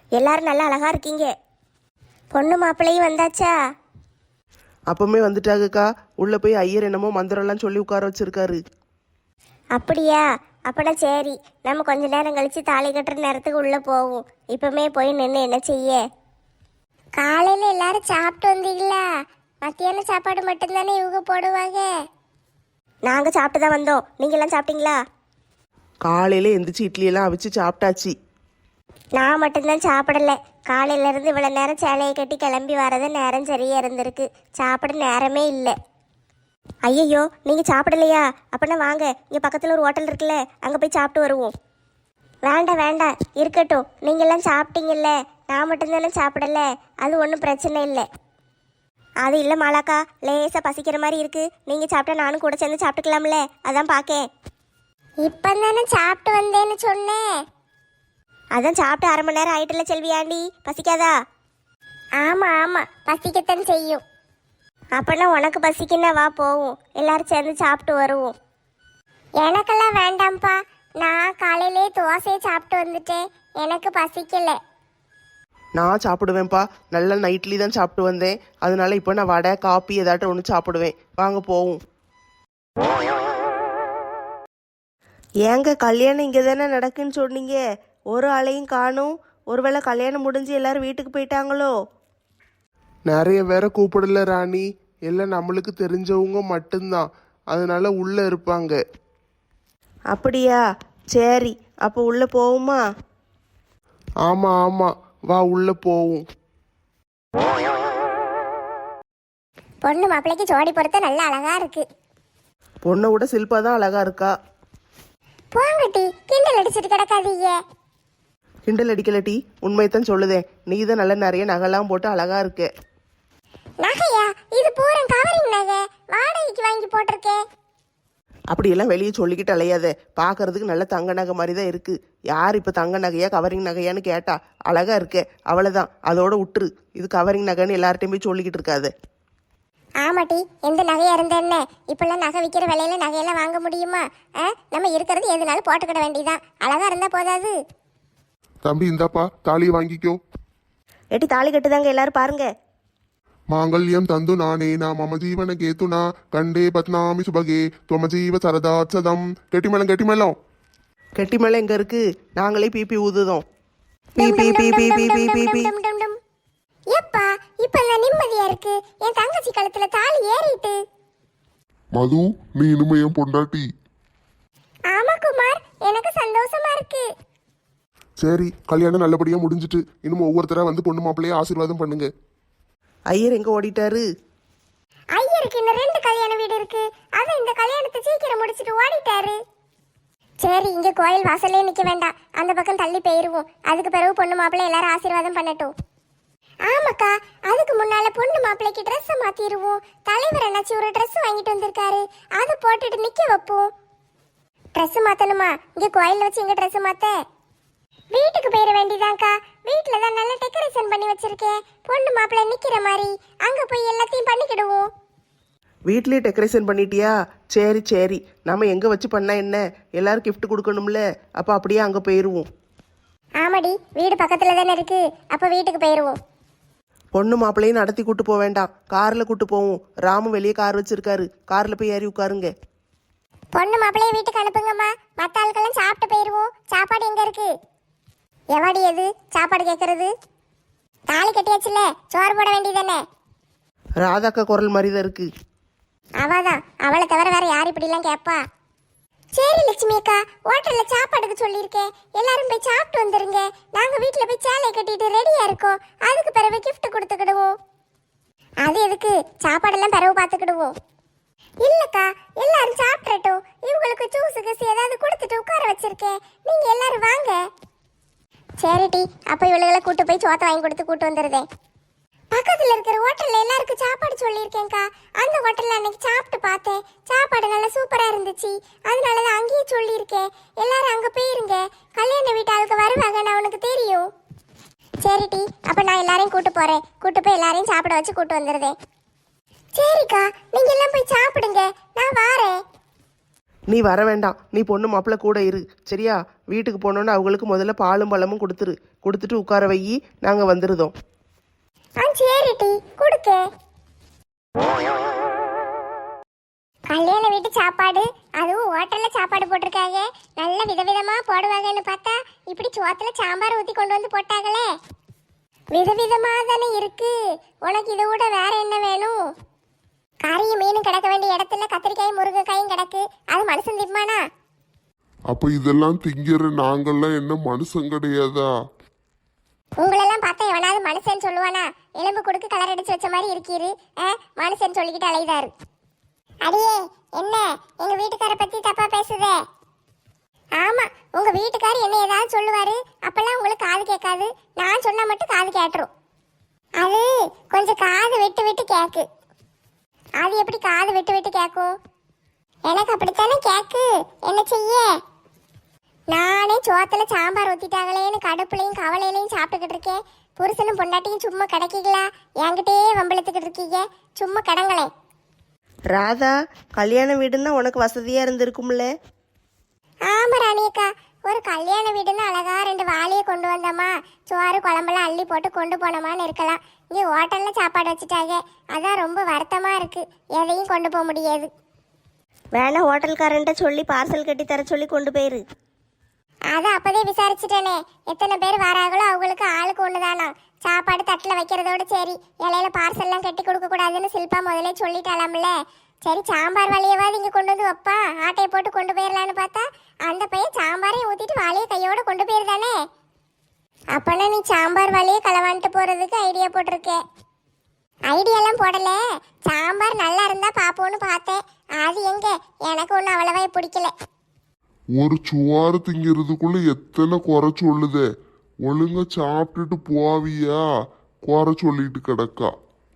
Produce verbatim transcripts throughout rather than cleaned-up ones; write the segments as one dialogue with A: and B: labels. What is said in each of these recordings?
A: எல்லாரும் நல்லா அழகா இருக்கீங்க. பொண்ணு மாப்பிள்ளையும் வந்தாச்சா?
B: அப்பவுமே வந்துட்டாங்கக்கா. உள்ள போய் ஐயர் என்னமோ மந்திரம்லாம் சொல்லி உட்கார வச்சிருக்காரு.
A: அப்படியா? அப்பனா சரி, நம்ம கொஞ்ச நேரம் கழிச்சு தாலி கட்டுற நேரத்துக்கு உள்ள போவோம். இப்பவுமே போய் நின்று என்ன செய்ய? காலையில எல்லாரும் சாப்பிட்டு வந்தீங்களா? மத்தியான சாப்பாடு மட்டும்தானே இவங்க போடுவாங்க. நாங்க சாப்பிட்டு தான் வந்தோம். நீங்க எல்லாம் சாப்பிட்டீங்களா?
B: காலையில எந்திரிச்சு இட்லி எல்லாம் அவிச்சு சாப்பிட்டாச்சு.
A: நான் மட்டும்தான் சாப்பிடல. காலையில இருந்து இவ்வளவு நேரம் சேலையை கட்டி கிளம்பி வரது நேரம் சரியா இருந்திருக்கு. சாப்பிட நேரமே இல்லை. ஐயையோ, நீங்க சாப்பிடலையா? அப்பனா வாங்க, இங்க பக்கத்துல ஒரு ஹோட்டல் இருக்குல்ல, அங்க போய் சாப்பிட்டு வருவோம். வேண்டாம் வேண்டாம், இருக்கட்டும். நீங்க எல்லாம் சாப்பிட்டீங்கல்ல, நான் மட்டும்தானே சாப்பிடல. அது ஒன்றும் பிரச்சனை இல்லை. அது இல்லை மாலாக்கா, லேசா பசிக்கிற மாதிரி இருக்கு. நீங்க சாப்பிட்டா நானும் கூட சேர்ந்து சாப்பிட்டுக்கலாம்ல, அதான் பாக்கேன். இப்பதானே சாப்பிட்டு வந்தேன்னு சொன்னேன். அதான் சாப்பிட்டு அரை மணி நேரம் ஆயிட்டுல செல்வியாண்டி, பசிக்காதா? ஆமா ஆமா, பசிக்கத்தான் செய்யும். அப்பனா உனக்கு பசிக்குன்னா வா போவோம், எல்லாரும் சேர்ந்து சாப்பிட்டு வருவோம். எனக்கெல்லாம் வேண்டாம்ப்பா, நான் காலையிலே தோசையை சாப்பிட்டு வந்துட்டேன். எனக்கு பசிக்கல.
B: நான் சாப்பிடுவேன்ப்பா. நல்ல நைட்லி தான் சாப்பிட்டு வந்தேன். அதனால இப்போ நான் வடை காப்பி ஏதாட்டும் ஒன்று சாப்பிடுவேன். வாங்க போவோம். ஏங்க கல்யாணம் இங்கே தானே நடக்குன்னு சொன்னீங்க, ஒரு ஆளையும் காணும். ஒருவேளை கல்யாணம் முடிஞ்சு எல்லாரும் வீட்டுக்கு போயிட்டாங்களோ?
C: நிறைய பேரை கூப்பிடல ராணி, எல்லாம் நம்மளுக்கு தெரிஞ்சவங்க மட்டும்தான். அதனால உள்ள இருப்பாங்க.
B: அப்படியா? சரி, அப்போ உள்ள போவோமா?
C: ஆமா ஆமா, வா உள்ள போவோம்.
A: பொண்ணு மாப்பிள்ளைக்கு ஜோடி பொறுத்த நல்ல அழகா இருக்கு.
B: பொண்ணை விட சில்பா தான் அழகா இருக்கா.
A: போங்கட்டி, கிண்டல் அடிச்சிட்டு கிடக்காதீங்க.
B: கிண்டல் அடிக்கலட்டி, உண்மையத்தான் சொல்லுதேன். நீ தான் நல்ல நிறைய நகைலாம் போட்டு அழகா இருக்க.
A: நகையா? இது பூரா கவரிங் நகை, வாடகைக்கு வாங்கி போட்டிருக்கேன்.
B: அப்படியெல்லாம் வெளியே சொல்லிக்கிட்டு அலையாத. பார்க்கறதுக்கு நல்ல தங்க நகை மாதிரி தான் இருக்கு. யார் இப்போ தங்க நகையா கவரிங் நகையான்னு கேட்டா அழகா இருக்க, அவ்வளோதான். அதோட விட்டுரு. இது கவரிங் நகைன்னு எல்லார்ட்டையும் போய் சொல்லிக்கிட்டு இருக்காது.
A: ஆமாட்டி, எந்த நகையா இருந்த என்ன? இப்பெல்லாம் நகை விற்கிற விலையில நகையெல்லாம் வாங்க முடியுமா? நம்ம இருக்கிறது எதுனாலும் போட்டுக்கிட வேண்டியதான். அழகா இருந்தா போதாது.
C: தம்பி இந்தாப்பா, தாலியை வாங்கிக்கோ.
B: ஏட்டி தாலி கட்டுதாங்க, எல்லாரும் பாருங்க.
C: மாங்கல்யம் தந்து நானே நா மம ஜீவன கேத்துனா கண்டே பத்னாமி சுபகே துவம ஜீவ சரதாச்சதம். கெட்டிமேளம் கெட்டிமேளம்.
B: கெட்டி மேலே எங்க இருக்கு? நாங்களே பிபி ஊதுதோம். பி பி பி பி பி பி பி பி.
A: எப்பா இப்ப நான் நிம்மதியா இருக்கு. என் தங்கச்சி கழுத்துல தாலி ஏறிட்டு.
C: மது, நீ இனிமே என் பொண்டாட்டி.
A: ஆமா குமார், எனக்கு சந்தோஷமா இருக்கு.
C: சரி, கல்யாணம் நல்லபடியா முடிஞ்சிட்டு இன்னும் ஒவ்வொருத்தரா வந்து பொண்ணு மாப்பிள்ளைய ஆசீர்வாதம் பண்ணுங்க.
B: ஐயர் எங்க ஓடிட்டாரு?
A: ஐயருக்கு இன்னும் ரெண்டு கல்யாண வீடு இருக்கு. அத இந்த கல்யாணத்தை சீக்கிரம் முடிச்சிட்டு ஓடிட்டாரு. சரி, இங்க கோயில் வாசல்லே நிக்க வேண்டாம், அந்த பக்கம் தள்ளி போயிருவோம். அதுக்கு பிறகு பொண்ணு மாப்பிள்ளை எல்லாரும் ஆசீர்வாதம் பண்ணட்டும். ஆமாக்கா, அதுக்கு முன்னால பொண்ணு மாப்பிள்ளைக்கு ட்ரெஸ் மாத்திடுவோம். தலைவர் என்னாச்சு ஒரு ட்ரெஸ் வாங்கிட்டு வந்திருக்காரு, அது போட்டுட்டு நிக்க வைப்போம். ட்ரெஸ் மாத்தணுமா? இங்க கோயில்ல வச்சு எங்க ட்ரெஸ் மாத்த? வீட்டுக்கு போயிட வேண்டியதான்க்கா. வீட்டுல தான் நல்ல டெக்கரேஷன் பண்ணி வச்சிருக்கேன். பொண்ணு மாப்பிள்ளை நிக்கிற மாதிரி அங்க போய் எல்லாத்தையும் பண்ணிக்கிடுவோம்.
B: வீட்லயே டெக்கரேஷன் பண்ணிட்டியா? சரி சரி, நம்ம எங்க வச்சு பண்ணா என்ன? எல்லாரும் கிஃப்ட் கொடுக்கணும்ல, அப்ப அப்படியே அங்க போயிருவோம்.
A: ஆமாடி, வீடு பக்கத்துல தானே இருக்கு, அப்ப வீட்டுக்கு போயிருவோம்.
B: பொண்ணு மாப்பிள்ளையும் நடத்தி கூட்டு போக வேண்டாம், கார்ல கூட்டு போவோம். ராமு வெளியே கார் வச்சிருக்காரு, கார்ல போய் ஏறி உட்காருங்க.
A: பொண்ணு மாப்பிள்ளைய வீட்டுக்கு அனுப்புங்கம்மா, மத்த ஆட்கள்லாம் சாப்பிட்டு போயிருவோம். சாப்பாடு எங்க இருக்கு? எவாடி எது சாப்பாடு கேட்கறது? தாலி கட்டியாச்சுல, சோறு போட வேண்டியதானே?
B: ராதாக்கா குரல் மாதிரி தான் இருக்கு.
A: அவதான், அவளை தவிர வேற யார் இப்படிலாம் கேட்பா? சரி லட்சுமி அக்கா, ஹோட்டல்ல சாப்பாடுக்கு சொல்லியிருக்கேன். எல்லாரும் போய் சாப்பிட்டு வந்துருங்க. நாங்க வீட்டுல போய் சேலை கட்டிட்டு ரெடியா இருக்கோம். அதுக்கு பிறகு கிஃப்ட் கொடுத்துக்கிடுவோம். அது எதுக்கு? சாப்பாடெல்லாம் பிறகு பார்த்துக்கிடுவோம். இல்லக்கா, எல்லாரும் சாப்பிடட்டும். இவங்களுக்கு ஜூஸ் கீஸ் ஏதாவது கொடுத்துட்டு உட்கார வச்சிருக்கேன். நீங்க எல்லாரும் வாங்க. சரிடி, அப்ப இவளுகளை கூட்டு போய் சோத்தை வாங்கி கொடுத்து கூட்டு வந்துருதேன். பக்கத்துல இருக்கிற ஹோட்டல்ல எல்லாருக்கும் சாப்பாடு சொல்லியிருக்கேன்க்கா. அந்த ஹோட்டல்ல அன்னைக்கு சாப்பிட்டு பார்த்தேன், சாப்பாடு நல்லா சூப்பரா இருந்துச்சு. அதனாலதான் அங்கேயே சொல்லியிருக்கேன். எல்லாரும் அங்க போயிருங்க. கல்யாண வீட்டாளுக்கு வருவாங்க, நான் உனக்கு தெரியும். சரிடி, அப்ப நான் எல்லாரையும் கூட்டு போறேன். கூட்டு போய் எல்லாரையும் சாப்பிட வச்சு கூட்டு வந்துருதேன். சரிக்கா, நீங்க எல்லாம் போய் சாப்பிடுங்க, நான் வாரேன்.
B: நீ வர வேண்டாம், நீ பொண்ணு மாப்பிள்ளை கூட இரு சரியா? வீட்டுக்கு போனோன்னு அவங்களுக்கு முதல்ல பாலும் பழமும் கொடுத்துரு. கொடுத்துட்டு உட்கார வை, நாங்கள் வந்துருதோம்.
A: ஆ சரிட்டி கொடுக்க. கல்யாண வீட்டு சாப்பாடு, அதுவும் ஹோட்டல்ல சாப்பாடு போட்டிருக்காங்க. நல்ல விதவிதமா போடுவாங்கன்னு பார்த்தா இப்படி சோத்துல சாம்பார் ஊத்தி கொண்டு வந்து போட்டாங்களே. விதவிதமா தானே இருக்கு. உனக்கு இதை விட வேற என்ன வேணும்? கறியும் மீனும் கிடக்க வேண்டிய இடத்துல கத்திரிக்காயும் முருங்கைக்காயும் கிடக்கு. அது மனுஷன் திம்மானா?
C: அப்ப இதெல்லாம் திங்கிற நாங்கெல்லாம் என்ன மனுஷன் கிடையாதா?
A: உங்களெல்லாம் பார்த்தா எவனாவது மனுஷன் சொல்லுவானா? எலும்பு கொடுக்கு கலர் அடிச்சு வச்ச மாதிரி இருக்கீரு. மனுஷன் சொல்லிக்கிட்டு அலைதாரு. அடியே என்ன எங்க வீட்டுக்கார பத்தி தப்பா பேசுதே? ஆமா, உங்க வீட்டுக்காரர் என்ன ஏதாவது சொல்லுவாரு, அப்பெல்லாம் உங்களுக்கு காது கேட்காது. நான் சொன்னா மட்டும் காது கேட்டுரும். அது கொஞ்சம் காது விட்டு விட்டு கேக்கு. அது எப்படி காது விட்டு விட்டு கேட்கும்? எனக்கு அப்படித்தானே கேக்கு. என்ன செய்ய? நானே சோத்துல சாம்பார் ஊத்திட்டாங்களேன்னு கடுப்புலையும் கவலையிலையும் சாப்பிட்டுக்கிட்டு இருக்கேன். புருஷனும் பொண்டாட்டியும் சும்மா கிடைக்கீங்களா? என்கிட்டே வம்பளத்துக்கிட்டு இருக்கீங்க. சும்மா கடங்களேன்.
B: ராதா, கல்யாண வீடுன்னா உனக்கு வசதியாக இருந்திருக்கும்ல?
A: ஆமா ராணியக்கா, ஒரு கல்யாண வீடுன்னு அழகா ரெண்டு வாளியை கொண்டு வந்தோமா, சோறு குழம்பெல்லாம் அள்ளி போட்டு கொண்டு போனோமான்னு இருக்கலாம். இங்கே ஹோட்டல்ல சாப்பாடு வச்சுட்டாங்க. அதான் ரொம்ப வருத்தமா இருக்கு. எதையும் கொண்டு போக முடியாது.
B: வேணா ஹோட்டல்காரன்ட்ட சொல்லி பார்சல் கட்டி தர சொல்லி கொண்டு போயிரு.
A: அதை அப்பதே விசாரிச்சுட்டேனே. எத்தனை பேர் வராங்களோ அவங்களுக்கு ஆளுக்கு ஒண்ணுதானா. சாப்பாடு தட்டில் வைக்கிறதோட சரி, இலையில பார்சல்லாம் கட்டி கொடுக்க கூடாதுன்னு சில்பா முதலே சொல்லிட்டாலாம்ல. சரி, சாம்பார் வழியவாது இங்க கொண்டு வந்து வைப்பா, ஆட்டையை போட்டு கொண்டு போயிடலான்னு பார்த்தா அந்த பையன் சாம்பாரையும் ஊத்திட்டு வாளியை கையோட கொண்டு போயிருந்தானே. அப்பனா நீ சாம்பார் வழியை களவான்ட்டு போறதுக்கு ஐடியா போட்டிருக்கே. ஐடியாலாம் போடல, சாம்பார் நல்லா இருந்தா பாப்போன்னு பார்த்தேன். அது எங்க, எனக்கு ஒன்றும் அவ்வளவா பிடிக்கல.
C: ஒரு சுவாறு திங்கிறதுக்குள்ள எத்தனை குறை சொல்லுதே. ஒழுங்கா சாப்பிட்டுட்டு போவியா? குறை சொல்லிட்டு கிடக்கா.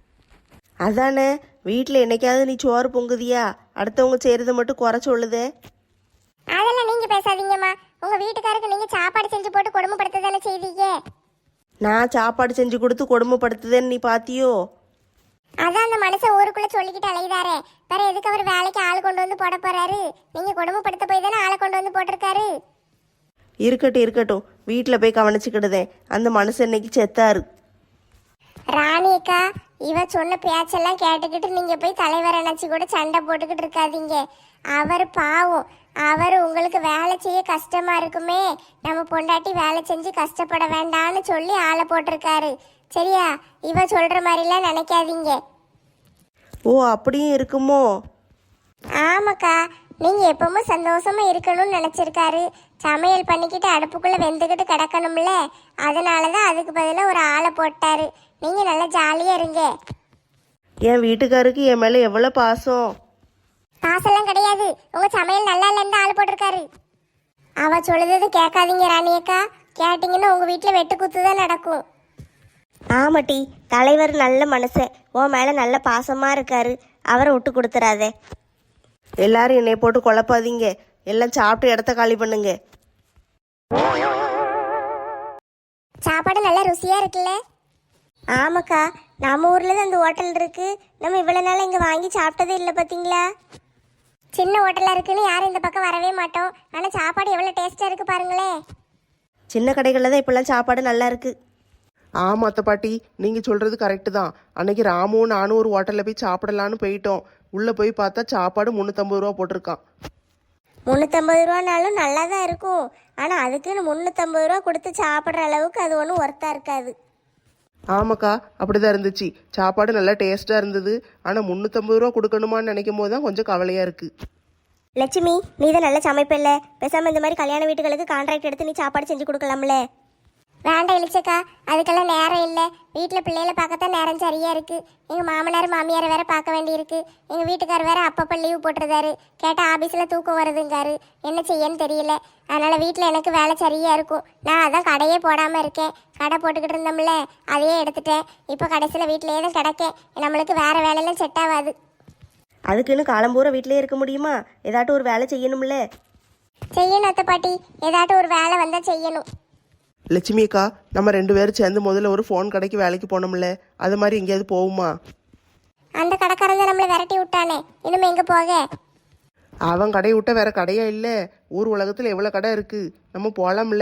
B: அதானே, வீட்டில் என்னைக்காவது நீ சோறு பொங்குதியா? அடுத்தவங்க செய்கிறத மட்டும் குறை சொல்லுதே.
A: அதெல்லாம் நீங்க பேசாதீங்கம்மா. உங்க வீட்டுக்காருக்கு நீங்க சாப்பாடு செஞ்சு போட்டு கொடுமைப்படுத்த தானே செய்தீங்க.
B: நான் சாப்பாடு செஞ்சு கொடுத்து கொடுமைப்படுத்துதேன்னு நீ பாத்தியோ?
A: அதான் அந்த மனுஷன் ஊருக்குள்ள சொல்லிக்கிட்டு அலையுதாரே. வேற எதுக்கு அவர் வேலைக்கு ஆள் கொண்டு வந்து போட போறாரு? நீங்க கொடுமைப்படுத்த போய் தானே ஆளை கொண்டு வந்து போட்டிருக்காரு.
B: இருக்கட்டும் இருக்கட்டும், வீட்டில் போய் கவனிச்சுக்கிடுதேன். அந்த மனுஷன் இன்னைக்கு செத்தாரு.
A: ராணியக்கா, இவ சொன்ன பேச்செல்லாம் கேட்டுக்கிட்டு நீங்க போய் தலைவர் நினைச்சு கூட சண்டை போட்டுக்கிட்டு இருக்காதீங்க. அவர் பாவம். அவர் உங்களுக்கு வேலை செய்ய கஷ்டமா இருக்குமே, நம்ம பொண்டாட்டி வேலை செஞ்சு கஷ்டப்பட வேண்டாம்னு சொல்லி ஆளை போட்டிருக்காரு. சரியா? இவ சொல்ற மாதிரிலாம் நினைக்காதீங்க.
B: ஓ, அப்படியும் இருக்குமோ?
A: ஆமாக்கா, நீங்க எப்பவும் சந்தோஷமா இருக்கணும்னு நினைச்சிருக்காரு. சமையல் பண்ணிக்கிட்டு அடுப்புக்குள்ள வெந்துக்கிட்டு கிடக்கணும்ல, அதனாலதான் அதுக்கு பதிலாக ஒரு ஆளை போட்டாரு. நீங்க நல்லா ஜாலியா இருங்க.
B: என் வீட்டுக்காருக்கு என் மேலே எவ்வளோ பாசம்.
A: பாசெல்லாம் கிடையாது, உங்க சமையல் நல்லா இல்லைன்னு ஆள் போட்டிருக்காரு. அவ சொல்லுறது கேட்காதீங்க ராணியக்கா. கேட்டீங்கன்னா உங்க வீட்டுல வெட்டு குத்து தான் நடக்கும்.
B: ஆமாட்டி, தலைவர் நல்ல மனுஷன். உன் மேலே நல்ல பாசமாக இருக்காரு. அவரை விட்டு கொடுத்துறாதே. எல்லாரும் என்னை போட்டு குழப்பாதீங்க. எல்லாம் சாப்பிட்டு இடத்த காலி பண்ணுங்க.
A: சாப்பாடு நல்லா ருசியா இருக்குல்ல? ஆமாக்கா, நம்ம ஊர்ல தான் அந்த ஹோட்டல் இருக்கு. நம்ம இவ்வளவு நாள் இங்க வாங்கி சாப்பிட்டதே இல்லை பாத்தீங்களா? சின்ன ஹோட்டலா இருக்குன்னு யாரும் இந்த பக்கம் வரவே மாட்டோம். ஆனா சாப்பாடு எவ்வளவு டேஸ்டா இருக்கு பாருங்களேன்.
B: சின்ன கடைகளில் தான் இப்போல்லாம் சாப்பாடு நல்லா இருக்கு. ஆமாம் அத்தை பாட்டி, நீங்கள் சொல்கிறது கரெக்டு தான். அன்னைக்கு ராமும் நானும் ஒரு ஹோட்டலில் போய் சாப்பிடலான்னு போயிட்டோம். உள்ளே போய் பார்த்தா சாப்பாடு முந்நூற்றம்பது ரூபா போட்டிருக்கான்.
A: முந்நூற்றம்பது ரூபானாலும் நல்லா தான் இருக்கும். ஆனால் அதுக்குன்னு முந்நூற்றம்பது ரூபா கொடுத்து சாப்பிட்ற அளவுக்கு அது ஒன்றும் ஒர்த்தாக இருக்காது.
B: ஆமாக்கா, அப்படி தான் இருந்துச்சு. சாப்பாடு நல்லா டேஸ்ட்டாக இருந்தது. ஆனால் முந்நூற்றம்பது ரூபா கொடுக்கணுமான்னு நினைக்கும் போது தான் கொஞ்சம் கவலையாக இருக்குது.
A: லட்சுமி, நீ தான் நல்லா சமைப்பில்ல, பேசாமல் இந்த மாதிரி கல்யாண வீட்டுகளுக்கு கான்ட்ராக்ட் எடுத்து நீ சாப்பாடு செஞ்சு கொடுக்கலாம்ல. வேண்டாம் இழிச்சக்கா, அதுக்கெல்லாம் நேரம் இல்லை. வீட்டில் பிள்ளைகளை பார்க்கத்தான் நேரம் சரியாக இருக்குது. எங்கள் மாமனார் மாமியார் வேற பார்க்க வேண்டியிருக்கு. எங்கள் வீட்டுக்கார் வேற அப்பப்போ லீவு போட்டுருந்தாரு. கேட்டால் ஆஃபீஸில் தூக்கம் வருதுங்காரு. என்ன செய்யன்னு தெரியல. அதனால் வீட்டில் எனக்கு வேலை சரியாக இருக்கும். நான் அதான் கடையே போடாமல் இருக்கேன். கடை போட்டுக்கிட்டு இருந்தோம்ல, அதையே எடுத்துட்டேன். இப்போ கடைசியில் வீட்டிலேயே தான் கிடக்கேன். நம்மளுக்கு வேறு வேலையெல்லாம் செட் ஆகாது.
B: அதுக்குன்னு காலம்பூரா வீட்டிலே இருக்க முடியுமா? ஏதாட்டும் ஒரு வேலை செய்யணும்ல.
A: செய்யணும் அத்தை பாட்டி, ஏதாட்டும் ஒரு வேலை வந்தால் செய்யணும்.
B: லட்சுமி அக்கா, நம்ம ரெண்டு பேரும் சேர்ந்து முதல்ல ஒரு ஃபோன் கடைக்கு வேலைக்கு போனோம்ல, அது மாதிரி எங்கேயாவது போகுமா?
A: அந்த கடைக்காரன் தான் நம்மளை விரட்டி விட்டானே, இனிமே எங்கே போக?
B: அவன் கடையை விட்ட வேற கடையா இல்லை. ஊர் உலகத்தில் எவ்வளோ கடை இருக்கு, நம்ம போகலாம்ல.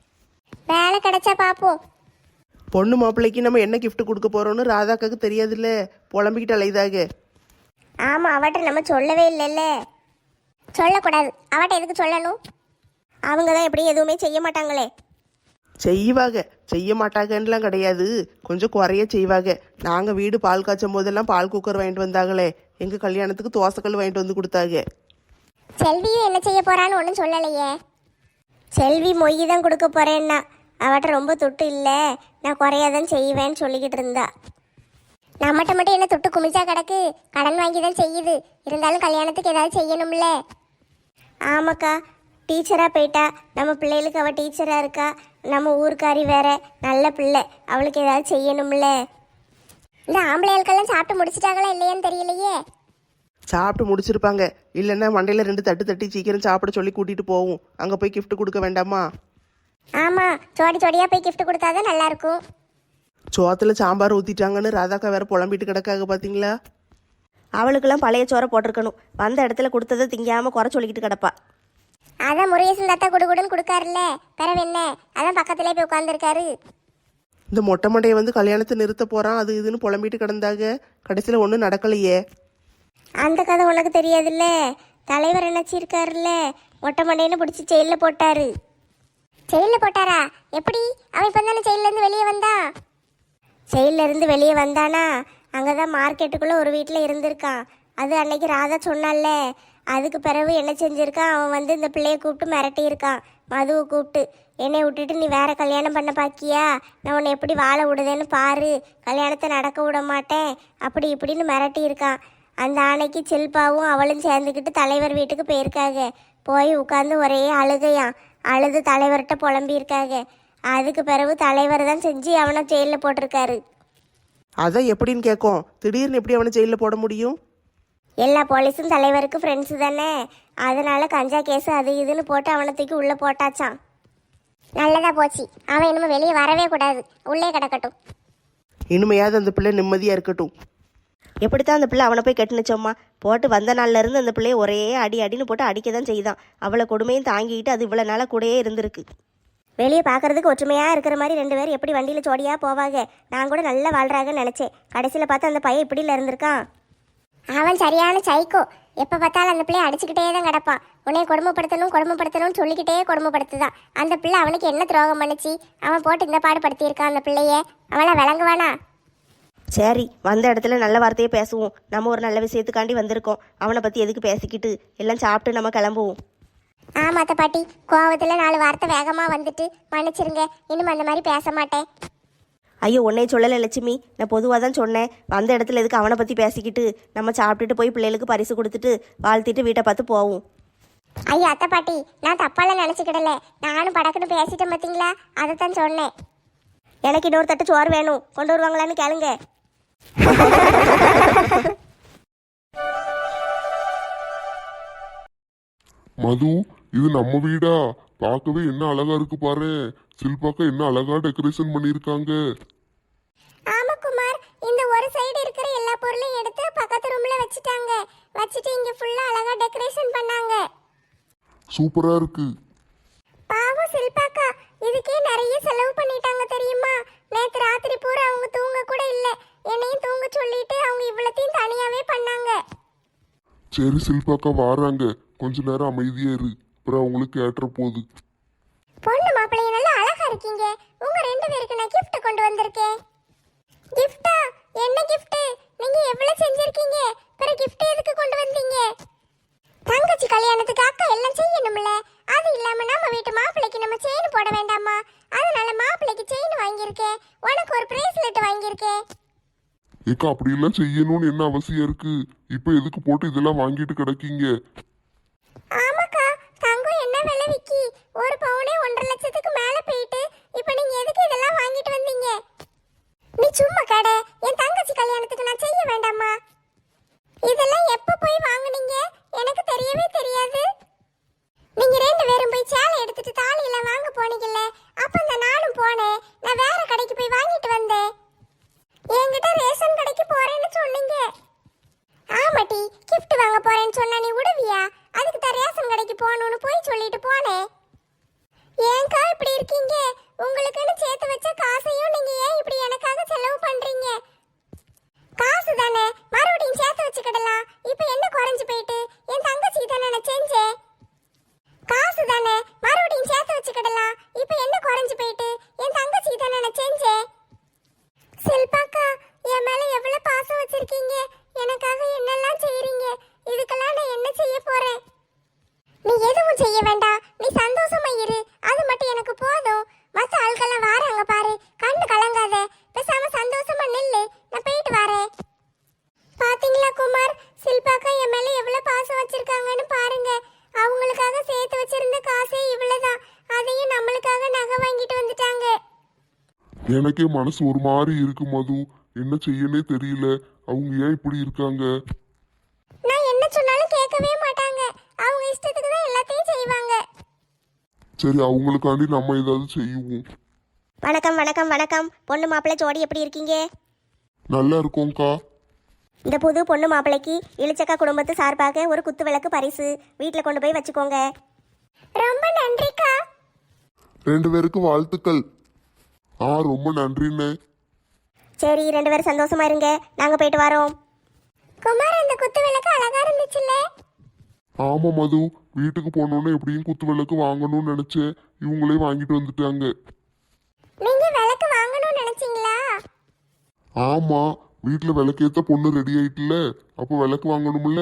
A: வேலை கிடைச்சா பார்ப்போம்.
B: பொண்ணு மாப்பிள்ளைக்கு நம்ம என்ன gift கொடுக்க போறோம்னு ராதாக்காக்கு தெரியாதுல்ல, புலம்பிக்கிட்டு அலையுதாக.
A: ஆமாம், அவட்ட நம்ம சொல்லவே இல்லைல்ல. சொல்லக்கூடாது, அவட்ட எதுக்கு சொல்லணும்? அவங்க தான் எப்படி எதுவுமே செய்ய மாட்டாங்களே.
B: செய்வாங்க, செய்ய மாட்டாங்கன்னுலாம் கிடையாது, கொஞ்சம் குறைய செய்வாங்க. நாங்கள் வீடு பால் காய்ச்சும் போதெல்லாம் பால் குக்கர் வாங்கிட்டு வந்தாங்களே, எங்கள் கல்யாணத்துக்கு தோசைக்கல் வாங்கிட்டு வந்து கொடுத்தாங்க.
A: செல்வியும் என்ன செய்ய போறான்னு ஒன்றும் சொல்லலையே. செல்வி மொய் தான் கொடுக்க போறேன்னா, அவட்ட ரொம்ப துட்டு இல்லை, நான் குறையாதான் செய்வேன்னு சொல்லிக்கிட்டு இருந்தா. நம்மகிட்ட மட்டும் என்ன துட்டு குமிச்சா கிடக்கு, கடன் வாங்கி தான் செய்யுது. இருந்தாலும் கல்யாணத்துக்கு ஏதாவது செய்யணும்ல. ஆமாக்கா, டீச்சராக போயிட்டா, நம்ம பிள்ளைகளுக்கு அவள் டீச்சராக இருக்கா, நம்ம ஊருக்காரி வேற, நல்ல பிள்ளை, அவளுக்கு ஏதாவது செய்யணும்ல. இந்த ஆம்பளைகளுக்கெல்லாம் சாப்பிட்டு முடிச்சிட்டாங்களா இல்லையான்னு தெரியலையே.
B: சாப்பிட்டு முடிச்சிருப்பாங்க, இல்லைன்னா மண்டையில் ரெண்டு தட்டு தட்டி சீக்கிரம் சாப்பிட சொல்லி கூட்டிகிட்டு போவோம். அங்கே போய் gift கொடுக்க வேண்டாமா?
A: ஆமாம், ஜோடி ஜோடியாக போய் gift கொடுத்தாதான் நல்லா இருக்கும்.
B: சோத்தில் சாம்பார் ஊற்றிட்டாங்கன்னு ராதாக்கா வேற புலம்பிட்டு கிடக்காக பார்த்தீங்களா?
D: அவளுக்கெல்லாம் பழைய சோறை போட்டிருக்கணும். வந்த இடத்துல கொடுத்ததை திங்காமல் குறை சொல்லிக்கிட்டு கிடப்பா.
A: அதான் முருகேசன் தாத்தா குடுகுடுன்னு கொடுக்காருல்ல, பிறவு என்ன, அதான் பக்கத்திலே போய் உட்காந்துருக்காரு.
B: இந்த மொட்டை மண்டையை வந்து கல்யாணத்தை நிறுத்த போகிறான் அது இதுன்னு புலம்பிட்டு கிடந்தாங்க. கடைசியில் ஒன்றும் நடக்கலையே.
A: அந்த கதை உனக்கு தெரியாதுல்ல, தலைவர் நினைச்சிருக்காருல்ல, மொட்டை மண்டைன்னு பிடிச்சி ஜெயிலில் போட்டாரு. ஜெயிலில் போட்டாரா? எப்படி? அவன் இப்போ தானே ஜெயிலேருந்து வெளியே வந்தான். ஜெயிலில் இருந்து வெளியே வந்தானா, அங்கே தான் மார்க்கெட்டுக்குள்ளே ஒரு வீட்டில் இருந்திருக்கான். அது அன்னைக்கு ராதா சொன்னால. அதுக்கு பிறகு என்ன செஞ்சுருக்கான், அவன் வந்து இந்த பிள்ளையை கூப்பிட்டு மிரட்டியிருக்கான். மதுவை கூப்பிட்டு, என்னை விட்டுட்டு நீ வேற கல்யாணம் பண்ண பாக்கியா, நான் உன்னை எப்படி வாழ விடுதேன்னு பாரு, கல்யாணத்தை நடக்க விட மாட்டேன், அப்படி இப்படின்னு மிரட்டியிருக்கான். அந்த ஆணைக்கு சில்பாவும் அவளும் சேர்ந்துக்கிட்டு தலைவர் வீட்டுக்கு போயிருக்காங்க. போய் உட்காந்து ஒரே அழுகையாம். அழுது தலைவர்கிட்ட புலம்பியிருக்காங்க. அதுக்கு பிறகு தலைவர் தான் செஞ்சு அவனை ஜெயிலில் போட்டிருக்காரு.
B: அதான் எப்படின்னு கேட்கும், திடீர்னு எப்படி அவனை ஜெயிலில் போட முடியும்?
A: எல்லா போலீஸும் தலைவருக்கு ஃப்ரெண்ட்ஸு தானே, அதனால கஞ்சா கேஸு அது இதுன்னு போட்டு அவனை தூக்கி உள்ளே போட்டாச்சான். நல்லதா போச்சு, அவன் இனிமே வெளியே வரவே கூடாது, உள்ளே கிடக்கட்டும்.
B: இனிமையாவது அந்த பிள்ளை நிம்மதியாக இருக்கட்டும்.
D: எப்படித்தான் அந்த பிள்ளை அவனை போய் கெட்டுனுச்சோம்மா. போட்டு வந்த நாள்ல இருந்து அந்த பிள்ளைய ஒரே அடி அடின்னு போட்டு அடிக்க தான் செய்தான். அவளை கொடுமையும் தாங்கிக்கிட்டு அது இவ்வளோ நாளாக கூடயே இருந்திருக்கு.
A: வெளியே பார்க்கறதுக்கு ஒற்றுமையாக இருக்கிற மாதிரி ரெண்டு பேரும் எப்படி வண்டியில் ஜோடியாக போவாங்க. நான் கூட நல்லா வாழ்றாங்கன்னு நினச்சேன். கடைசியில் பார்த்து அந்த பையன் இப்படியில் இருந்திருக்கான். அவன் சரியான சைக்கோ, எப்போ பார்த்தாலும் அந்த பிள்ளைய அடிச்சுக்கிட்டே தான் கிடப்பான். உன்னைய கொடுமைப்படுத்தணும் கொடுமைப்படுத்தணும்னு சொல்லிக்கிட்டே கொடுமைப்படுத்துதான். அந்த பிள்ளை அவனுக்கு என்ன துரோகம் பண்ணிச்சு, அவன் போட்டு இந்த பாடு படுத்தியிருக்கான் அந்த பிள்ளைய. அவனை விளங்குவானா?
D: சரி, வந்த இடத்துல நல்ல வார்த்தையே பேசுவோம். நம்ம ஒரு நல்ல விஷயத்துக்காண்டி வந்திருக்கோம். அவனை பற்றி எதுக்கு பேசிக்கிட்டு, எல்லாம் சாப்பிட்டு நம்ம கிளம்புவோம்.
A: ஆமாத்த பாட்டி, கோவத்தில் நாலு வார்த்தை வேகமாக வந்துட்டு மன்னிச்சிருங்க, இன்னும் அந்த மாதிரி பேச மாட்டேன்.
D: ஐயோ, உன்னை சொல்லலை லட்சுமி, நான் பொதுவாக தான் சொன்னேன். வந்த இடத்துல எதுக்கு அவனை பற்றி பேசிக்கிட்டு, நம்ம சாப்பிட்டுட்டு போய் பிள்ளைகளுக்கு பரிசு கொடுத்துட்டு வாழ்த்திட்டு வீட்டை பார்த்து போவோம்.
A: ஐயோ அத்தை பாட்டி, நான் தப்பாலாம் நினச்சிக்கிடல, நானும் படக்குன்னு பேசிட்டேன் பார்த்தீங்களா, அதைத்தான் சொன்னேன். எனக்கு இன்னொரு தட்டு சோறு வேணும், கொண்டு வருவாங்களான்னு கேளுங்க.
C: மது, இது நம்ம வீடா? பார்க்கவே என்ன அழகா இருக்கு பாரு. சில்பாக்கா என்ன அழகா டெக்கரேஷன் பண்ணிருக்காங்க.
A: ஆமா குமார், இந்த ஒரு சைடு இருக்கிற எல்லா பொருளையும் எடுத்து பக்கத்து ரூம்ல வச்சிட்டாங்க. வச்சிட்டு இங்க ஃபுல்லா அழகா டெக்கரேஷன் பண்ணாங்க.
C: சூப்பரா இருக்கு.
A: பாவம் சில்பாக்கா, இதுக்கே நிறைய செலவு பண்ணிட்டாங்க தெரியுமா? நேத்து ராத்திரி பூரா அவங்க தூங்க கூட இல்ல, என்னையும் தூங்க சொல்லிட்டு அவங்க இவ்வளத்தையும் தனியாவே பண்ணாங்க.
C: சரி சில்பாக்கா வாராங்க, கொஞ்ச நேரம் அமைதியா இரு, அப்புறம் அவங்களுக்கு ஏற்ற போகுது.
A: பொண்ணு மாப்பிள்ளைய நல்லா அழகா இருக்கீங்க. உங்க ரெண்டு பேருக்கு நான் gift கொண்டு வந்திருக்கேன். gift-ஆ? என்ன gift? நீங்க எவ்வளவு செஞ்சிருக்கீங்க? பிற gift எதுக்கு கொண்டு வந்தீங்க? தங்கச்சி கல்யாணத்துக்கு அக்கா எல்லாம் செய்யணும்ல, அது இல்லாம நம்ம வீட்டு மாப்பிள்ளைக்கு நம்ம செயின் போட வேண்டாமா? அதனால மாப்பிள்ளைக்கு செயின் வாங்கியிருக்கேன், உனக்கு ஒரு பிரேஸ்லெட் வாங்கியிருக்கேன்.
C: ஏக்கா அப்படி எல்லாம் செய்யணும்னு என்ன அவசியம் இருக்கு? இப்ப எதுக்கு போட்டு இதெல்லாம் வாங்கிட்டு கிடக்கீங்க?
A: ஆமாக்கா, தங்கம் என்ன விலை விக்கி? ஒரு பவுனே ஒன்றரை லட்சத்துக்கு மேல போயிட்டு, இப்போ நீங்க எதுக்கு இதெல்லாம் வாங்கிட்டு வந்தீங்க? நீ சும்மா கடை, என் தங்கச்சி கல்யாணத்துக்கு நான் செய்ய வேண்டாமா? இதெல்லாம் எப்போ போய் வாங்குனீங்க? எனக்கு தெரியவே தெரியாது. நீங்க ரெண்டு பேரும் போய் சேலை எடுத்துட்டு தாலி எல்லாம் வாங்க போனீங்கல்ல, அப்ப இந்த நானும் போனேன். நான் வேற கடைக்கு போய் வாங்கிட்டு வந்தேன். என்கிட்ட ரேஷன் கடைக்கு போறேன்னு சொன்னீங்க. ஆமாட்டி, gift வாங்க போறேன்னு சொன்னா நீ விடுவியா? அது உங்களுக்குன்னு சேர்த்து வச்ச காசையும் நீங்க ஏன் இப்படி எனக்காக செலவு பண்றீங்க? காசு தானே, மறுபடியும் சேர்த்து வச்சுக்கிடலாம். இப்போ என்ன குறைஞ்சு போயிட்டு? என் தங்கச்சி தானே நான் செஞ்சேன். காசு தானே, மறுபடியும் சேர்த்து வச்சுக்கிடலாம். இப்போ என்ன குறைஞ்சு போயிட்டு? என் தங்கச்சி தானே நான் செஞ்சேன். செல்பாக்கா, என் மேல எவ்வளவு பாசம் வச்சிருக்கீங்க. எனக்காக என்னெல்லாம் செய்றீங்க. இதுக்கெல்லாம் நான் என்ன செய்ய போறேன்? நீ எதுவும் செய்ய வேண்டாம். நீ சந்தோஷமா இரு. அது மட்டும் எனக்கு போதும். மத்த ஆட்கள்லாம் வாராங்க பாரு. கண்ணு கலங்காத. பேசாம சந்தோஷமா நில்லு. நான் போயிட்டு வரேன். பாத்தீங்களா குமார், சில்பாக்கா என் மேல எவ்வளவு பாசம் வச்சிருக்காங்கன்னு பாருங்க. அவங்களுக்காக சேர்த்து வச்சிருந்த காசே இவ்வளவுதான். அதையும் நம்மளுக்காக நகை வாங்கிட்டு வந்துட்டாங்க.
C: எனக்கே மனசு ஒரு மாதிரி இருக்கு மது. என்ன செய்யனே தெரியல. அவங்க ஏன் இப்படி இருக்காங்க?
A: நான் என்ன சொன்னாலும் கேட்கவே மாட்டாங்க. அவங்க இஷ்டத்துக்கு தான் எல்லாத்தையும் செய்வாங்க.
C: சரி, அவங்களுக்காண்டி நம்ம ஏதாவது செய்வோம்.
A: வணக்கம் வணக்கம் வணக்கம். பொண்ணு மாப்பிள்ளை ஜோடி எப்படி இருக்கீங்க?
C: நல்லா இருக்கோம்க்கா.
A: இந்த புது பொண்ணு மாப்பிள்ளைக்கு இளிச்சக்கா குடும்பத்து சார்பாக ஒரு குத்து விளக்கு பரிசு வீட்டில் கொண்டு போய் வச்சுக்கோங்க. ரொம்ப நன்றிக்கா.
C: ரெண்டு பேருக்கு வாழ்த்துக்கள். ஆ, ரொம்ப நன்றிண்ணே.
A: சரி, ரெண்டு பேரும் சந்தோஷமா இருங்க. நாங்க போயிட்டு வரோம். குமார், இந்த குத்து விளக்கு அழகா இருந்துச்சுல்ல?
C: ஆமா மது, வீட்டுக்கு போனோன்னு எப்படியும் குத்து விளக்கு வாங்கணும்னு நினைச்சேன். இவங்களே வாங்கிட்டு வந்துட்டாங்க.
A: நீங்க விளக்கு வாங்கணும்னு நினைச்சீங்களா?
C: ஆமா, வீட்டுல விளக்கேத்த பொண்ணு ரெடி ஆயிட்டுல, அப்போ விளக்கு வாங்கணும்ல.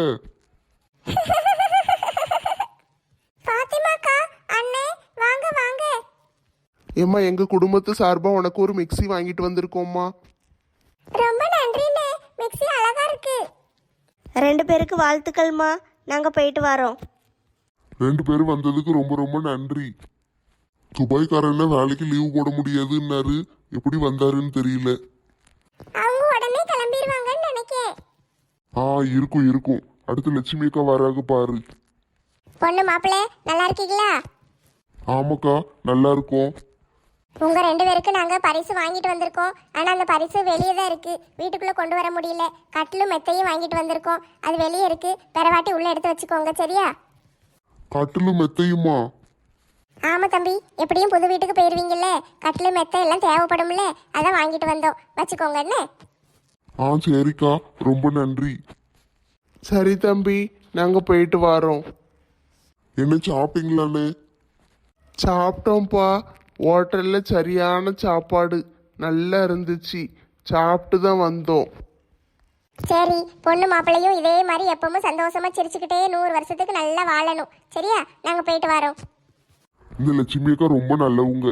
A: பாத்திமாக்கா, அண்ணே வாங்க வாங்க.
B: ஏம்மா, எங்க குடும்பத்து சார்பா உனக்கு ஒரு மிக்ஸி வாங்கிட்டு வந்திருக்கோம்மா.
A: ரொம்ப நன்றிண்ணே. மிக்ஸி அழகா இருக்கு.
D: ரெண்டு பேருக்கு வாழ்த்துக்கள்மா. நாங்கள் போயிட்டு வரோம்.
C: ரெண்டு பேரும் வந்ததுக்கு ரொம்ப ரொம்ப நன்றி. துபாய்க்காரன் வேலைக்கு லீவு போட முடியாதுன்னாரு. எப்படி வந்தாருன்னு தெரியல.
A: அவங்க உடனே கிளம்பிடுவாங்கன்னு நினைக்கேன்.
C: ஆ, இருக்கும் இருக்கும். அடுத்து லட்சுமி அக்கா வராங்க பாரு.
A: பொண்ணு மாப்பிள்ளை நல்லா இருக்கீங்களா?
C: ஆமாக்கா, நல்லா இருக்கும்.
A: உங்க ரெண்டு பேருக்கு நாங்க பரிசு வாங்கிட்டு வந்திருக்கோம். ஆனா அந்த பரிசு வெளியே தான் இருக்கு. வீட்டுக்குள்ள கொண்டு வர முடியல. கட்டிலும் மெத்தையும் வாங்கிட்டு வந்திருக்கோம். அது வெளியே இருக்கு. பெறவாட்டி உள்ள எடுத்து வச்சுக்கோங்க, சரியா?
C: கட்டிலும் மெத்தையுமா?
A: ஆமா தம்பி, எப்படியும் புது வீட்டுக்கு போயிருவீங்கல்ல, கட்டிலு மெத்தை எல்லாம் தேவைப்படும்ல, அதான் வாங்கிட்டு வந்தோம். வச்சுக்கோங்க என்ன.
C: ஆ, சரிக்கா, ரொம்ப நன்றி.
B: சரி தம்பி, நாங்க போயிட்டு வரோம்.
C: என்ன சாப்பிட்டீங்களாண்ணே?
B: சாப்பிட்டோம்ப்பா. ஹோட்டல்ல சரியான சாப்பாடு நல்லா இருந்துச்சு. சாப்பிட்டு தான் வந்தோம்.
A: சரி, பொண்ணு மாப்பிள்ளையும் இதே மாதிரி எப்பவும் சந்தோஷமா சிரிச்சுக்கிட்டே நூறு வருஷத்துக்கு நல்லா வாழணும், சரியா? நாங்க போயிட்டு வரோம்.
C: இந்த லட்சுமி அக்கா ரொம்ப நல்லவங்க.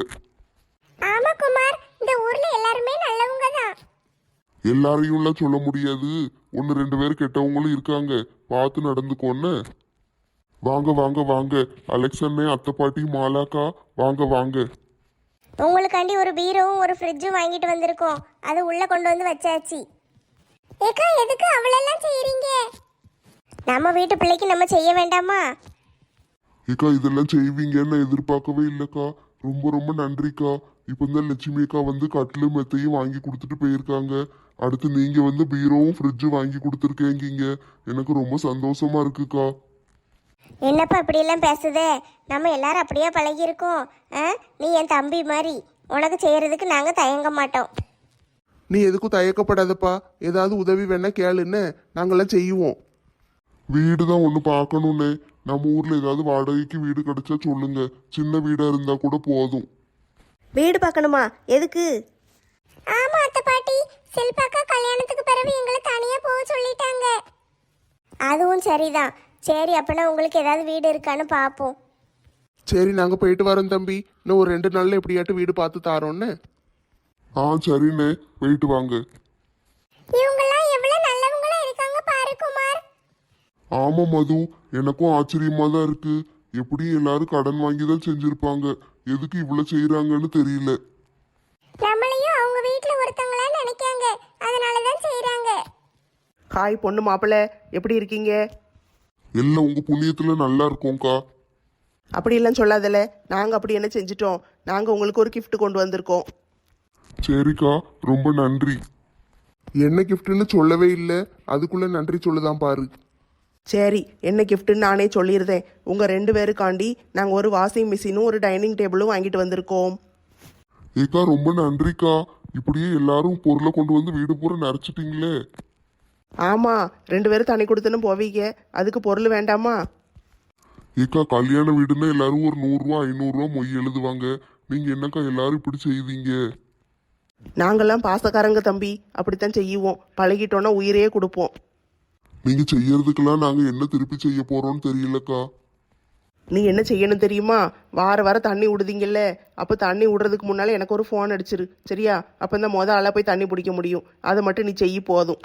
A: ஆமா குமார், இந்த ஊர்ல எல்லாருமே நல்லவங்க தான்.
C: எல்லாரையும்லாம் சொல்ல முடியாது. ஒன்று ரெண்டு பேர் கெட்டவங்களும் இருக்காங்க. பார்த்து நடந்துக்கோன்னு. வாங்க வாங்க வாங்க. அலெக்சண்ணே, அத்தை பாட்டி, மாலாக்கா, வாங்க வாங்க.
A: உங்களுக்காண்டி ஒரு பீரோவும் ஒரு ஃப்ரிட்ஜும் வாங்கிட்டு வந்திருக்கோம். அது உள்ள கொண்டு வந்து வச்சாச்சு. ஏக்கா, எதுக்கு அவளெல்லாம் செய்றீங்க? நம்ம வீட்டு பிள்ளைக்கு நம்ம செய்ய வேண்டாமா?
C: ஏக்கா, இதெல்லாம் செய்வீங்கன்னு எதிர்பார்க்கவே இல்லைக்கா. ரொம்ப ரொம்ப நன்றிக்கா. இப்போ தான் லட்சுமி அக்கா வந்து கட்டிலும் மெத்தையும் வாங்கி கொடுத்துட்டு போயிருக்காங்க. அடுத்து நீங்க வந்து பீரோவும் ஃப்ரிட்ஜும் வாங்கி கொடுத்துருக்கேங்கிங்க. எனக்கு ரொம்ப சந்தோஷமா இருக்குக்கா.
A: என்னப்பா இப்படியெல்லாம் பேசுதே? நம்ம எல்லாரும் அப்படியே பழகியிருக்கோம். ஆ, நீ என் தம்பி மாதிரி. உனக்கு செய்யறதுக்கு நாங்கள் தயங்க மாட்டோம்.
B: நீ எதுக்கும் தயக்கப்படாதப்பா. ஏதாவது உதவி வேணா கேளுன்னு நாங்களாம் செய்வோம்.
C: வீடு தான் ஒன்று பார்க்கணுன்னே. நம்ம ஊர்ல ஏதாவது வாடகைக்கு வீடு கிடைச்சா சொல்லுங்க. சின்ன வீடா இருந்தா கூட போதும்.
D: வீடு பார்க்கணுமா? எதுக்கு?
A: ஆமா அத்தை பாட்டி, செல்பாக்கா கல்யாணத்துக்கு பிறகு எங்களை தனியா போக சொல்லிட்டாங்க. அதுவும் சரிதான். சரி, அப்பனா உங்களுக்கு ஏதாவது வீடு இருக்கான்னு பார்ப்போம்.
B: சரி, நாங்க போயிட்டு வரோம் தம்பி. இன்னும் ஒரு ரெண்டு நாள்ல எப்படியாட்டு வீடு பார்த்து தாரோன்னு.
C: ஆ, சரிண்ணே, போயிட்டு வாங்க.
A: இவங்கெல்லாம் எவ்வளவு நல்லவங்களா இருக்காங்க பாரு குமார்.
C: ஆமா மது, எனக்கும் ஆச்சரியமா தான் இருக்கு. எப்படியும் எல்லாரும் கடன் வாங்கி தான் செஞ்சிருப்பாங்க. எதுக்கு இவ்வளவு செய்யறாங்கன்னு தெரியல.
A: நம்மளையும் அவங்க வீட்டுல ஒருத்தங்களா நினைக்காங்க, அதனாலதான் செய்யறாங்க.
B: ஹாய் பொண்ணு மாப்பிள்ளை, எப்படி இருக்கீங்க?
C: எல்லாம் உங்க புண்ணியத்துல நல்லா இருக்கோம்க்கா.
B: அப்படியெல்லாம் சொல்லாதல. நாங்கள் அப்படி என்ன செஞ்சிட்டோம்? நாங்கள் உங்களுக்கு ஒரு gift கொண்டு வந்திருக்கோம்.
C: சரிக்கா, ரொம்ப நன்றி.
B: என்ன கிஃப்ட்னு சொல்லவே இல்லை. அதுக்குள்ள நன்றி சொல்லுதான் பாரு. சரி, என்ன கிஃப்ட்னு நானே சொல்லியிருந்தேன். உங்கள் ரெண்டு பேருக்காண்டி நாங்கள் ஒரு வாஷிங் மிஷினும் ஒரு டைனிங் டேபிளும் வாங்கிட்டு வந்திருக்கோம்.
C: ஏக்கா ரொம்ப நன்றிக்கா. இப்படியே எல்லாரும் பொருளை கொண்டு வந்து வீடு பூரா நிறைச்சிட்டீங்களே.
B: ஆமாம், ரெண்டு பேரும் தண்ணி கொடுத்துன்னு போவீங்க, அதுக்கு பொருள் வேண்டாமா?
C: ஏக்கா கல்யாண வீடுன்னா எல்லாரும் ஒரு நூறுரூவா ஐநூறுரூவா மொய் எழுதுவாங்க. நீங்க என்னக்கா எல்லாரும் இப்படி செய்வீங்க?
B: நாங்கெல்லாம் பாசக்காரங்க தம்பி, அப்படித்தான் செய்வோம். பழகிட்டோன்னா உயிரையே கொடுப்போம்.
C: நீங்க செய்யறதுக்கெல்லாம் நாங்க என்ன திருப்பி செய்ய போறோம்னு தெரியலக்கா.
B: நீ என்ன செய்யணும் தெரியுமா? வார வாரம் தண்ணி விடுதீங்கல்ல, அப்போ தண்ணி விடுறதுக்கு முன்னால் எனக்கு ஒரு ஃபோன் அடிச்சிரு, சரியா? அப்போ இந்த மொதல் ஆளாக போய் தண்ணி பிடிக்க முடியும். அதை மட்டும் நீ செய்ய போதும்.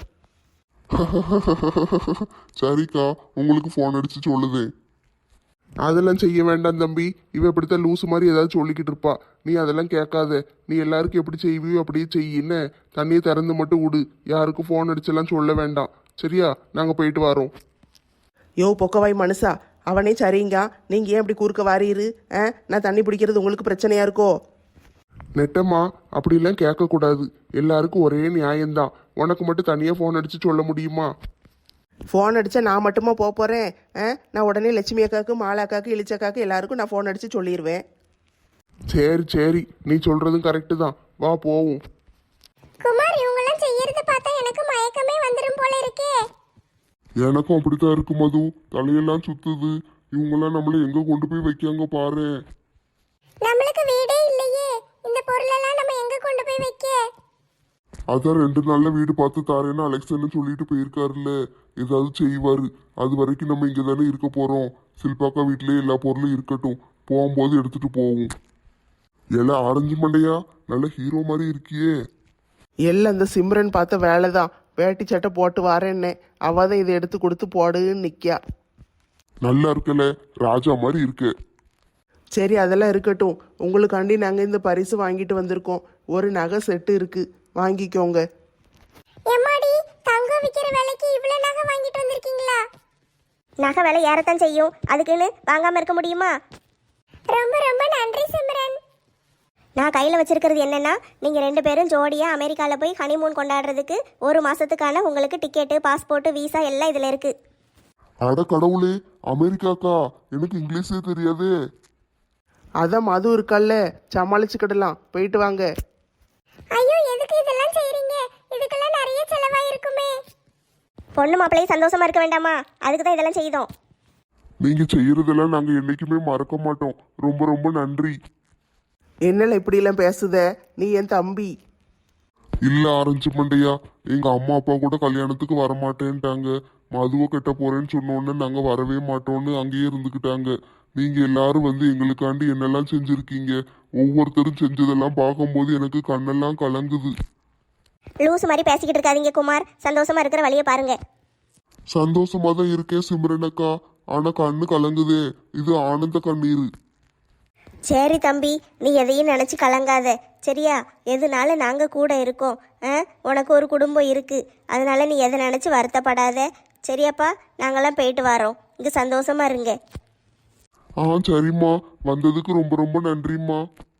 C: சரிக்கா, உங்களுக்கு ஃபோன் அடிச்சு சொல்லுதேன்.
B: அதெல்லாம் செய்ய வேண்டாம் தம்பி. இவ இப்படித்தான் லூசு மாதிரி ஏதாவது சொல்லிக்கிட்டு இருப்பா. நீ அதெல்லாம் கேட்காத. நீ எல்லாருக்கும் எப்படி செய்வியோ அப்படியே செய்யின்னு தண்ணியை திறந்து மட்டும் விடு. யாருக்கும் ஃபோன் அடிச்செல்லாம் சொல்ல வேண்டாம், சரியா? நாங்கள் போயிட்டு வரோம். யோ பொக்கவாய் மனுஷா, அவனே சரிங்க. நீங்கள் ஏன் இப்படி குறுக்க வாரீரு? ஆ, நான் தண்ணி பிடிக்கிறது உங்களுக்கு பிரச்சனையா இருக்கோ? நெட்டம்மா, அப்படிலாம் கேட்கக்கூடாது. எல்லாருக்கும் ஒரே நியாயம்தான். உனக்கு மட்டும் தனியாக ஃபோன் அடித்து சொல்ல முடியுமா? ஃபோன் அடித்தா நான் மட்டுமா போக போகிறேன்? ஆ, நான் உடனே லட்சுமி அக்காவுக்கு, மாலா அக்காவுக்கு, இளிச்சக்காவுக்கு எல்லாருக்கும் நான் ஃபோன் அடித்து சொல்லிடுவேன். சரி சரி, நீ சொல்கிறதும் கரெக்டு தான். வா போவோம்.
A: குமார், இவங்கெல்லாம் செய்யறத பார்த்தா எனக்கு மயக்கமே வந்துடும் போல இருக்கே.
C: எனக்கும் அப்படித்தான் இருக்கு மது. தலையெல்லாம் சுத்துது. இவங்கெல்லாம் நம்மள எங்க கொண்டு போய் வைக்காங்க பாரு.
A: நம்மளுக்கு வீடே இல்லையே, இந்த பொருளெல்லாம் நம்ம எங்க கொண்டு போய் வைக்க?
C: அதான் ரெண்டு நாள்ல வீடு பார்த்து தாரேன்னு அலெக்சன் சொல்லிட்டு போயிருக்காருல்ல. ஏதாவது செய்வாரு. அது வரைக்கும் நம்ம இங்க தானே இருக்க போறோம். சில்பாக்கா வீட்லயே எல்லா பொருளும் இருக்கட்டும், போகும்போது எடுத்துட்டு போவோம். எல்லாம் ஆரஞ்சு மண்டையா, நல்ல ஹீரோ மாதிரி இருக்கியே.
B: எல்லாம் அந்த சிம்ரன் பார்த்த வேலை தான். வேட்டி சட்டை போட்டு வரேன்னே, அவ தான் இதை எடுத்து கொடுத்து போடுன்னு நிற்கா.
C: நல்லா இருக்கல, ராஜா மாதிரி இருக்கு.
B: சரி, அதெல்லாம் இருக்கட்டும். உங்களுக்காண்டி நாங்கள் இந்த பரிசு வாங்கிட்டு வந்திருக்கோம். ஒரு நகை செட்டு இருக்கு, வாங்கிக்கோங்க.
A: எம்மாடி, தங்கம் விக்கிற விலைக்கு இவ்ளோ நகை வாங்கிட்டு வந்திருக்கீங்களா? நகை விலை ஏறத்தான் செய்யும், அதுக்குன்னு வாங்காம இருக்க முடியுமா? ரொம்ப ரொம்ப நன்றி சிம்ரன். நான் கையில் வச்சிருக்கிறது என்னன்னா, நீங்கள் ரெண்டு பேரும் ஜோடியாக அமெரிக்காவில் போய் ஹனிமூன் கொண்டாடுறதுக்கு ஒரு மாதத்துக்கான உங்களுக்கு டிக்கெட்டு, பாஸ்போர்ட்டு, வீசா எல்லாம் இதில் இருக்குது.
C: அட கடவுளே, அமெரிக்காக்கா? எனக்கு இங்கிலீஷே தெரியாதே.
B: அதான் மது இருக்கல்ல, சமாளிச்சுக்கிடலாம். போயிட்டு வாங்க.
A: ஐயோ, எதுக்கு இதெல்லாம் செய்றீங்க? இதுக்கெல்லாம் நிறைய செலவாயிருக்குமே. பொண்ணு மாப்பிள்ளையும் சந்தோஷமா இருக்க வேண்டாமா? அதுக்கு தான் இதெல்லாம் செய்தோம்.
C: நீங்க செய்யறதெல்லாம் நாங்க என்னைக்குமே மறக்க மாட்டோம். ரொம்ப ரொம்ப நன்றி.
B: என்னல இப்படியெல்லாம் பேசுத? நீ என் தம்பி.
C: இல்ல ஆரஞ்சு மண்டையா, எங்க அம்மா அப்பா கூட கல்யாணத்துக்கு வரமாட்டேன்ட்டாங்க. மதுவை கட்ட போறேன்னு சொன்னோன்னு நாங்க வரவே மாட்டோம்னு அங்கேயே இருந்துக்கிட்டாங்க. நீங்க எல்லாரும் வந்து எங்களுக்காண்டி என்னெல்லாம் செஞ்சிருக்கீங்க. ஒவ்வொருத்தரும் செஞ்சதெல்லாம் பார்க்கும்போது எனக்கு கண்ணெல்லாம் கலங்குது.
A: லூசு மாதிரி பேசிக்கிட்டு இருக்காதீங்க குமார், சந்தோஷமா இருக்கிற வழியை பாருங்க.
C: சந்தோஷமா தான் இருக்கேன் சிம்ரனக்கா, ஆனா கண்ணு கலங்குதே. இது ஆனந்த கண்ணீர்.
A: சரி தம்பி, நீ எதையும் நினச்சி கலங்காத, சரியா? எதுனால நாங்கள் கூட இருக்கோம். ஆ, உனக்கு ஒரு குடும்பம் இருக்குது, அதனால நீ எதை நினச்சி வருத்தப்படாத, சரியாப்பா? நாங்களாம் போயிட்டு வரோம். இங்கே சந்தோஷமா இருங்க.
C: ஆ சரிம்மா, வந்ததுக்கு ரொம்ப ரொம்ப நன்றிம்மா.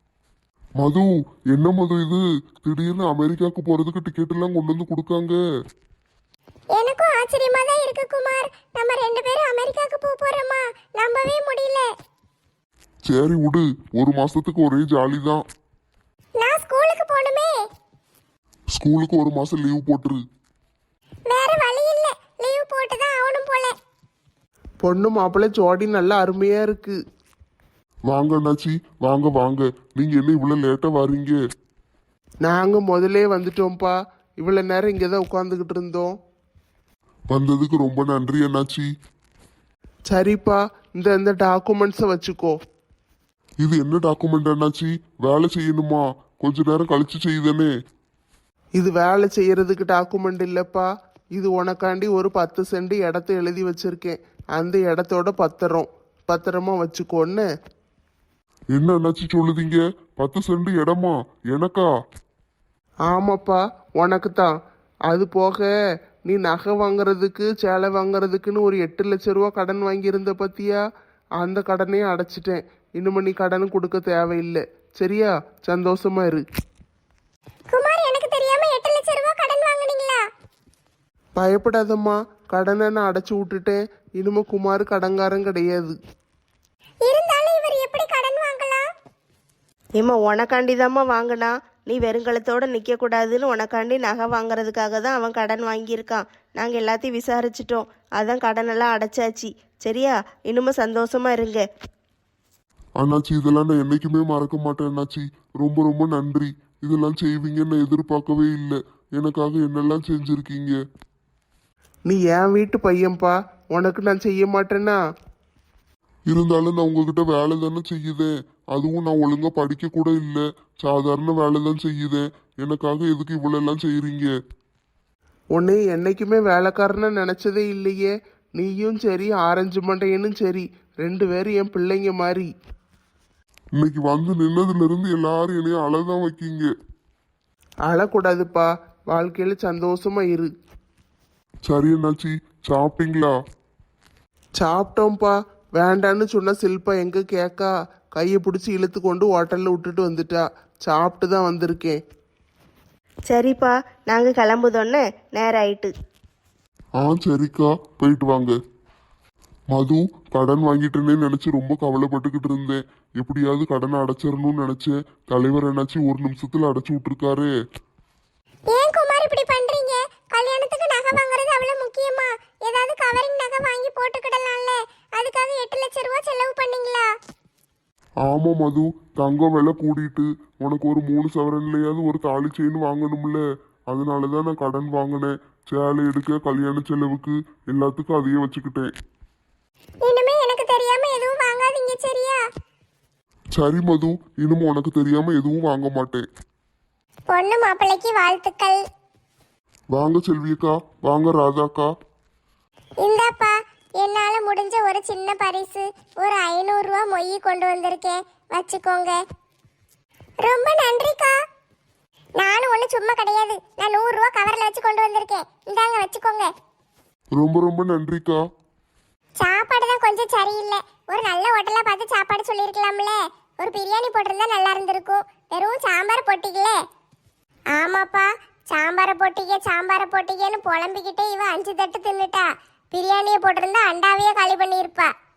C: மது, என்ன மது இது? திடீர்னு அமெரிக்காவுக்கு போறதுக்கு டிக்கெட் எல்லாம் கொண்டு வந்து கொடுக்காங்க.
A: எனக்கும் ஆச்சரியமா தான் இருக்கு குமார். நம்ம ரெண்டு பேரும் அமெரிக்காவுக்கு போக போறோமா? நம்பவே முடியல.
C: சரி விடு, ஒரு மாசத்துக்கு ஒரே ஜாலி தான்.
A: நான் ஸ்கூலுக்கு போகணுமே.
C: ஸ்கூலுக்கு ஒரு மாசம் லீவ் போட்டுரு.
A: வேற வழி இல்ல, லீவ் போட்டு தான் ஆகணும் போல.
B: பொண்ணு மாப்பிள்ளை ஜோடி நல்லா அருமையா இருக்கு.
C: வாங்க அண்ணாச்சி, வாங்க வாங்க. நீங்க என்ன இவ்வளவு லேட்டா வாரீங்க?
B: நாங்க முதல்ல வந்துட்டோம்ப்பா. இவ்வளவு நேரம் இங்கே தான் உட்காந்துக்கிட்டு இருந்தோம்.
C: வந்ததுக்கு ரொம்ப நன்றி அண்ணாச்சி.
B: சரிப்பா, இந்த இந்த டாக்குமெண்ட்ஸை வச்சுக்கோ.
C: இது என்ன டாக்குமெண்ட் அண்ணாச்சி? வேலை செய்யணுமா? கொஞ்ச நேரம் கழிச்சு செய்யுதானே?
B: இது வேலை செய்யறதுக்கு டாக்குமெண்ட் இல்லப்பா. இது உனக்காண்டி ஒரு பத்து சென்ட் இடத்த எழுதி வச்சிருக்கேன். அந்த இடத்தோட பத்திரம். பத்திரமா வச்சுக்கோன்னு.
C: என்ன அண்ணாச்சி சொல்லுதீங்க? பத்து சென்ட் இடமா? எனக்கா?
B: ஆமாப்பா, உனக்கு தான். அது போக நீ நகை வாங்குறதுக்கு, சேலை வாங்குறதுக்குன்னு ஒரு எட்டு லட்ச ரூபா கடன் வாங்கியிருந்த பத்தியா? அந்த கடனையும் அடைச்சிட்டேன். இனிமே நீ கடன் கொடுக்க தேவையில்லை, சரியா? சந்தோஷமா இரு.
A: குமார், எனக்கு தெரியாம எட்டு லட்சம் ரூபாய் கடன் வாங்குனீங்களா?
B: பயப்படாதம்மா, கடனை நான் அடைச்சி விட்டுட்டேன். இனிமே குமார் கடங்காரன் கிடையாது.
A: இருந்தாலும் இவர் எப்படி கடன் வாங்கலாம்?
D: ஏம்மா உனக்காண்டிதாம்மா வாங்கினா, நீ வெறுங்கலத்தோடு நிற்கக்கூடாதுன்னு உனக்காண்டி நகை வாங்குறதுக்காக தான் அவன் கடன் வாங்கியிருக்கான். நாங்கள் எல்லாத்தையும் விசாரிச்சிட்டோம், அதான் கடனெல்லாம் அடைச்சாச்சு. சரியா, இன்னுமே சந்தோஷமா இருங்க.
C: அண்ணாச்சி இதெல்லாம் நான் என்னைக்குமே மறக்க மாட்டேன் அண்ணாச்சி. ரொம்ப ரொம்ப நன்றி. இதெல்லாம் செய்வீங்கன்னு நான் எதிர்பார்க்கவே இல்லை. எனக்காக என்னெல்லாம் செஞ்சுருக்கீங்க.
B: நீ என் வீட்டு பையன்பா, உனக்கு நான் செய்ய மாட்டேன்னா?
C: இருந்தாலும் நான் உங்ககிட்ட வேலை தானே செய்யுதேன். அதுவும் நான் ஒழுங்கா படிக்க கூட இல்லை, சாதாரண வேலை தான் செய்யுதேன். எனக்காக எதுக்கு இவ்வளோ எல்லாம் செய்கிறீங்க?
B: உன்னை என்னைக்குமே வேலைக்காரன்னு நினச்சதே இல்லையே. நீயும் சரி ஆரஞ்சு மண்டையனும் சரி, ரெண்டு பேரும் என் பிள்ளைங்க மாதிரி.
C: இன்னைக்கு வந்து நின்னதுல இருந்து எல்லாரும் என்னைய அழதான் வைக்கீங்க.
B: அழக்கூடாதுப்பா, வாழ்க்கையில் சந்தோஷமா இரு.
C: சரி அண்ணாச்சி, சாப்பிட்டீங்களா?
B: சாப்பிட்டோம்ப்பா. வேண்டான்னு சொன்ன சில்பா எங்க கேக்கா, கையை பிடிச்சி இழுத்து கொண்டு ஹோட்டலில் விட்டுட்டு வந்துட்டா. சாப்பிட்டு தான் வந்திருக்கேன்.
D: சரிப்பா, நாங்கள் கிளம்புதோன்னே நேரம் ஆயிட்டு.
C: ஆ சரிக்கா, போயிட்டு வாங்க. மது, கடன் வாங்கிட்டேனே நினைச்சு ரொம்ப கவலைப்பட்டுக்கிட்டு இருந்தேன். எப்படியாவது கடனை அடைச்சிடணும்னு நினைச்சேன். தலைவர் என்னாச்சு ஒரு நிமிஷத்துல அடைச்சு விட்டுருக்காரு.
A: ஏன் குமார் இப்படி பண்றீங்க? கல்யாணத்துக்கு நகை வாங்குறது அவ்வளவு முக்கியமா? ஏதாவது கவரிங் நகை வாங்கி போட்டுக்கிடலாம்ல. அதுக்காக எட்டு லட்சம் ரூபாய் செலவு பண்ணீங்களா?
C: ஆமா மது, தங்கம் விலை கூடிட்டு உனக்கு ஒரு மூணு சவரன்லையாவது ஒரு தாலி செயின் வாங்கணும்ல. அதனாலதான் நான் கடன் வாங்கினேன். சேலை எடுக்க, கல்யாண செலவுக்கு எல்லாத்துக்கும் அதையே வச்சுக்கிட்டேன்.
A: இனிமே எனக்கு தெரியாம எதுவும் வாங்காதீங்க, சரியா?
C: சரி மது, இனிமே உனக்கு தெரியாம எதுவும் வாங்க மாட்டேன்.
A: பொண்ணு மாப்பிள்ளைக்கு வாழ்த்துக்கள்.
C: வாங்க செல்வியக்கா, வாங்க ராதாக்கா.
A: இந்தாப்பா, என்னால முடிஞ்ச ஒரு சின்ன பரிசு. ஒரு ஐநூறு ரூபா மொய் கொண்டு வந்திருக்கேன், வச்சுக்கோங்க. ரொம்ப நன்றிக்கா. நானும் ஒண்ணு சும்மா கிடையாது, நான் நூறு ரூபா கவர்ல வச்சு கொண்டு வந்திருக்கேன். இந்தாங்க, வச்சுக்கோங்க.
C: ரொம்ப ரொம்ப நன்றிக்கா.
A: சாப்பாடு தான் கொஞ்சம் சரியில்லை. ஒரு நல்ல ஹோட்டலா பார்த்து சாப்பாடு சொல்லியிருக்கலாம்ல. ஒரு பிரியாணி போட்டிருந்தா நல்லா இருந்திருக்கும். வெறும் சாம்பார் போட்டிங்களே. ஆமாப்பா, சாம்பாரை போட்டிக்க சாம்பாரை போட்டிக்கன்னு புலம்பிக்கிட்டே இவ அஞ்சு தட்டு தின்னுட்டா. பிரியாணியை போட்டிருந்தா அண்டாவையே காலி பண்ணியிருப்பா.